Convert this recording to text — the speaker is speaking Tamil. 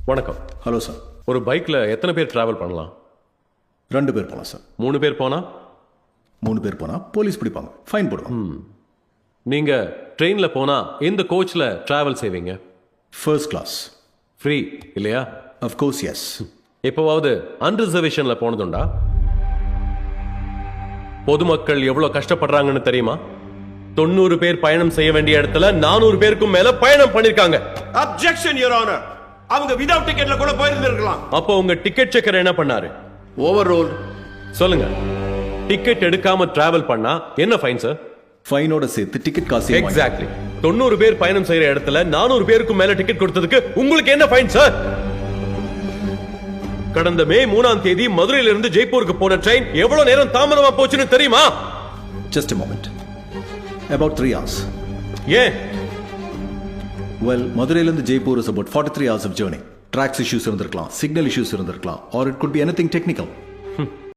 வணக்கம். Hello sir. ஒரு பைக்ல எத்தனை பேர் டிராவல் பண்ணலாம்? 2 பேர் போகலாம் சார். 3 பேர் போனா? 3 பேர் போனால் போலீஸ் பிடிப்பாங்க, ஃபைன் போடுவாங்க. நீங்க ட்ரெயின்ல போனா எந்த கோச்ல டிராவல் செய்வீங்க? First class. ஃப்ரீ இல்லையா? Of course yes. எப்போவாவது அன்ரிசர்வேஷன்ல போனதுண்டா? பொதுமக்கள் எவ்வளவு கஷ்டப்படுறாங்கன்னு தெரியுமா? 90 பேர் பயணம் செய்ய வேண்டிய இடத்துல 400 பேருக்கும் மேல பயணம் பண்ணிருக்காங்க. Objection your honour. அவங்க வித்அவுட் டிக்கெட்ல கூட போயிருந்திருக்கலாம். அப்போ உங்க டிக்கெட் செக்கர் என்ன பண்ணாரு? Overrule. சொல்லுங்க. டிக்கெட் எடுக்காம டிராவல் பண்ணா என்ன ஃபைன் சார்? ஃபைனோட சேர்த்து டிக்கெட் காசு. எக்ஸாக்ட்லி. 90 பேர் பயணம் செய்யற இடத்துல 400 பேருக்கும் மேல டிக்கெட் கொடுத்ததுக்கு உங்களுக்கு என்ன ஃபைன் சார்? கடந்த மே 3ஆம் தேதி மதுரையில இருந்து ஜெய்ப்பூருக்கு போன ட்ரெயின் எவ்வளவு நேரம் தாமதமா போச்சுன்னு தெரியுமா? Just a moment. About 3 hours. ஏன்? Well, மதுரையிலிருந்து Jaipur is about 43 hours of journey. Tracks issues இருந்திருக்கலாம், signal issues இருந்திருக்கலாம், or it could be anything technical.